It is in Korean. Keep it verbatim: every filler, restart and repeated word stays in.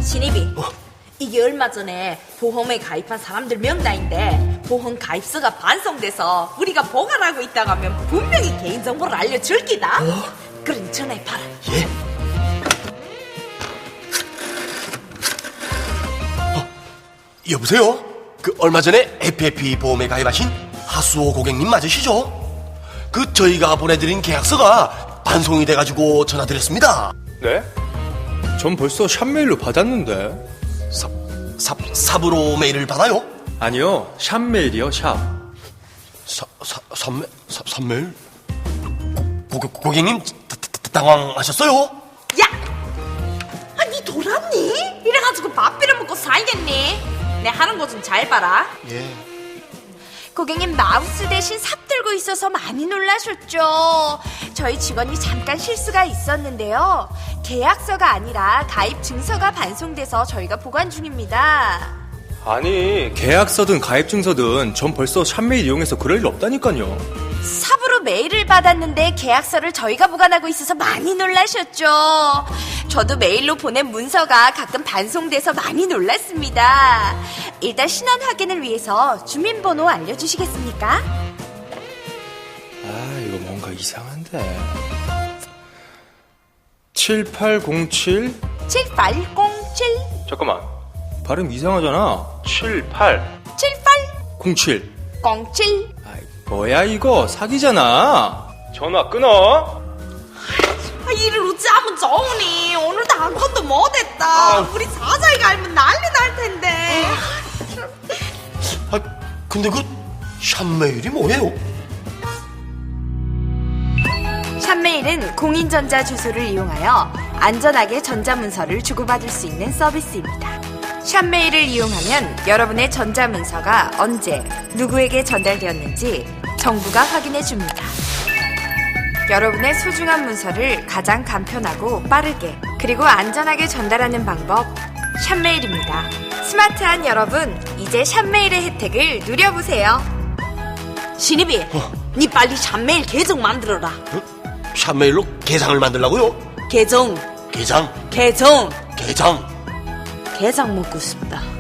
신입이 어? 이게 얼마 전에 보험에 가입한 사람들 명단인데 보험 가입서가 반송돼서 우리가 보관하고 있다가 하면 분명히 개인정보를 알려줄 기다. 어? 그러니 전화해봐라. 예? 어, 여보세요? 그 얼마 전에 에프에프이 보험에 가입하신 하수호 고객님 맞으시죠? 그 저희가 보내드린 계약서가 반송이 돼가지고 전화드렸습니다. 네? 전 벌써 샵메일로 받았는데. 삽, 삽, 삽으로 메일을 받아요? 아니요, 샵메일이요, 샵. 사, 사, 삽메, 사, 삽메일? 고, 고, 고객님 다, 다, 당황하셨어요? 야! 아, 니 돌았니? 이래가지고 밥 빌어먹고 살겠니? 내 하는 거 좀 잘 봐라. 예. 고객님 마우스 대신 삽 들고 있어서 많이 놀라셨죠? 저희 직원이 잠깐 실수가 있었는데요. 계약서가 아니라 가입 증서가 반송돼서 저희가 보관 중입니다. 아니, 계약서든 가입증서든 전 벌써 샵메일 이용해서 그럴 일 없다니까요. 삽으로 메일을 받았는데 계약서를 저희가 보관하고 있어서 많이 놀라셨죠? 저도 메일로 보낸 문서가 가끔 반송돼서 많이 놀랐습니다. 일단 신원 확인을 위해서 주민번호 알려주시겠습니까? 아, 이거 뭔가 이상한데. 칠팔공칠? 칠팔공칠 잠깐만, 발음 이상하잖아. 칠팔 칠팔공칠 공칠. 아이, 뭐야 이거, 사기잖아. 전화 끊어. 아, 일을 어찌하면 좋으니 오늘도 아무것도 못했다. 아. 우리 사자이가 알면 난리 날 텐데. 아, 근데 그 샵메일이 뭐예요? 샵메일은 공인전자 주소를 이용하여 안전하게 전자문서를 주고받을 수 있는 서비스입니다. 샵메일을 이용하면 여러분의 전자문서가 언제 누구에게 전달되었는지 정부가 확인해 줍니다. 여러분의 소중한 문서를 가장 간편하고 빠르게 그리고 안전하게 전달하는 방법 샵메일입니다. 스마트한 여러분, 이제 샵메일의 혜택을 누려보세요. 신입이, 어. 니 빨리 샵메일 계정 만들어라. 어? 샵메일로 계장을 만들라고요? 계정, 계장? 계정, 계장? 게장 먹고 싶다.